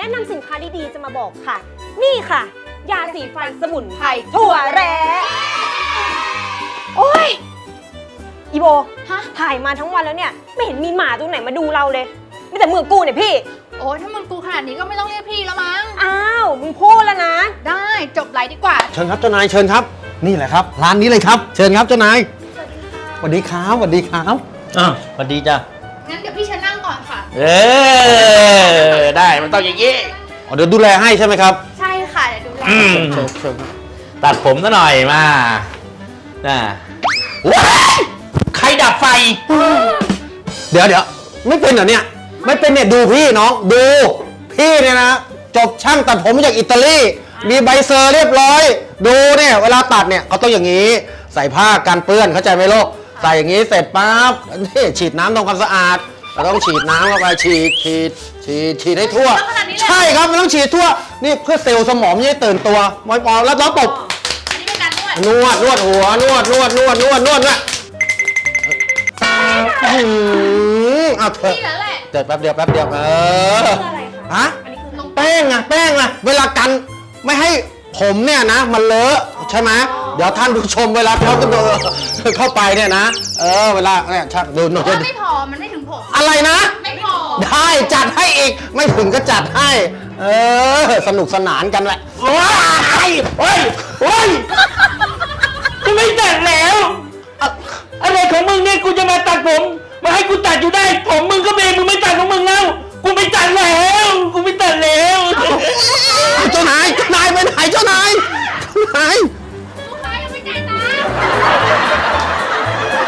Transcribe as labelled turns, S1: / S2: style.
S1: นำสินค้าดีๆจะมาบอกค่ะ นี่ค่ะ ยาสีฟันสมุนไพรถั่วแร้โอ้ยอีโบถ่ายมาทั้งวันแล้วเนี่ยไม่เห็นมีหมาตัวไหนมาดูเราเลยมีแต่มือกูเนี่ยพี่
S2: โอ้ยถ้ามึงกูขนาดนี้ก็ไม่ต้องเรียกพี่แล้วมั้ง
S1: อ้าวมึงพูดแล้วนะ
S2: ได้จบไลฟ์ดีกว่า
S3: เชิญครับเจ้านายเชิญครับนี่แหละครับร้านนี้เลยครับเชิญครับเจ้านายสวัสดีครับสวัสดีครับ
S4: สวัสดีจ้ะ
S2: งั้นเดี๋ยวพี่เชิญนั่งก่อนค่ะ
S4: ได้มันต้องอย่างนี้
S3: เดี๋ยวดูแลให้ใช่ไหมครับ
S2: ใช่ค่ะเดี๋ยวดูแล
S3: เชิญ
S4: ตัดผมซะหน่อยมาว้ายใครดับไฟ
S3: เดี๋ยวไม่เป็นเหรอเนี่ยไม่เป็นเนี่ยดูพี่น้องดูพี่เนี่ยนะจบช่างตัดผมมาจากอิตาลีมีใบเซอร์เรียบร้อยดูเนี่ยเวลาตัดเนี่ยเขาต้องอย่างนี้ใส่ผ้ากันเปื้อนเข้าใจไหมลูกใส่อย่างนี้เสร็จปั๊บนี่ฉีดน้ำทำความสะอาดเราต้องฉีดน้ำเข้าไปฉีดให้ทั่วใช่ครับมันต้องฉีดทั่วนี่เพื่อเซลล์สมองไม่ให้ตื่นตัวมอยปอแล้วตบ
S2: อันนี้เป็นการ
S3: นวดหัวนวดนะเอาเถอะ
S2: นี่แหละ
S3: เดี๋ยวแป๊บเดียวฮะแป้งอะเวลากันไม่ให้ผมเนี่ยนะมันเลอะใช่ไหมเดี๋ยวท่านผู้ชมเวลาเขาเข้าไปเนี่ยนะเวลาเนี่ยชักดูหน่อย
S2: ไม่พอมันไม่ถึงผม
S3: อะไรนะ
S2: ไม่พอ
S3: ได้จัดให้อีกไม่ถึงก็จัดให้สนุกสนานกันแหละ
S4: โอ้ยจะไม่ตัดแล้วอะไรของมึงเนี่ยกูจะมาตัดผมมาให้กูตัดอยู่ได้ผมมึงก็เบมึงไม่ตัดของมึงแล้วกูไม่ตัดแล้วเจ้านายไปไหนเจ้านาย